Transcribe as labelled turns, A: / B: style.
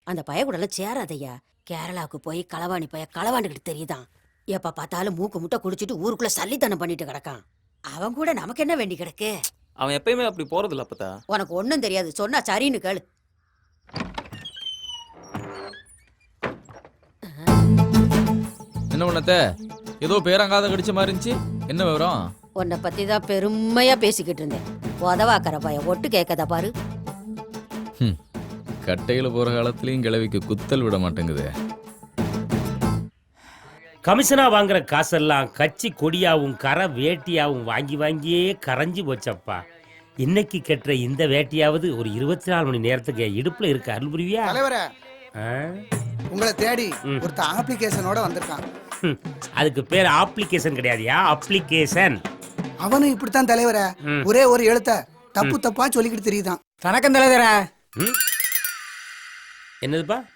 A: அந்த பய கூட எல்லாம் சேராதையா. கேரளாவுக்கு போய் களவாணி பைய களவாண்டுகிட்டு தெரியுதான். எப்ப பார்த்தாலும் மூக்கு முட்டை குடிச்சிட்டு ஊருக்குள்ள சல்லித்தனம் பண்ணிட்டு கிடக்கான். அவன் கூட நமக்கு என்ன வேண்டி கிடக்கு?
B: அவன் எப்பயுமே அப்படி போறது இல்ல அப்பதா.
A: உனக்கு ஒண்ணும் தெரியாது, சொன்னா சரின்னு கேளு.
C: என்ன பண்ணத்த? ஏதோ பேரங்காத கடிச்ச மாதிரி இருந்துச்சு. என்ன விவரம்?
A: உன்னை பத்தி தான் பெருமையா பேசிக்கிட்டு இருந்தேன். உதவாக்கற பைய ஒட்டு கேட்கதா பாரு.
C: கட்டையில போற காலத்துலயும் கிழவிக்கு குத்தல் விட மாட்டேங்குது.
D: கமிஷனா வாங்குற காசெல்லாம் கட்சி கொடியாவும் கரை வேட்டியாவும் வாங்கி வாங்கியே கரைஞ்சி போச்சப்பா. இன்னைக்கு கட்டுற இந்த வேட்டியாவது ஒரு 24 மணி நேரத்துக்கு இடுப்புல இருக்கு. அருள் புரிவியா?
E: தலைவரே, உங்களை தேடி ஒருத்த அப்ளிகேஷனோட வந்திருக்கான்.
D: அதுக்கு பேர் அப்ளிகேஷன் கிடையாதுயா, அப்ளிகேஷன்.
E: அவனும் இப்படித்தான் தலைவரே, ஒரே ஒரு எழுத்த தப்பு தப்பா சொல்லிக்கிட்டு தெரியுதான்.
F: வணக்கம் தலைவரே.
D: என்னதுப்பா?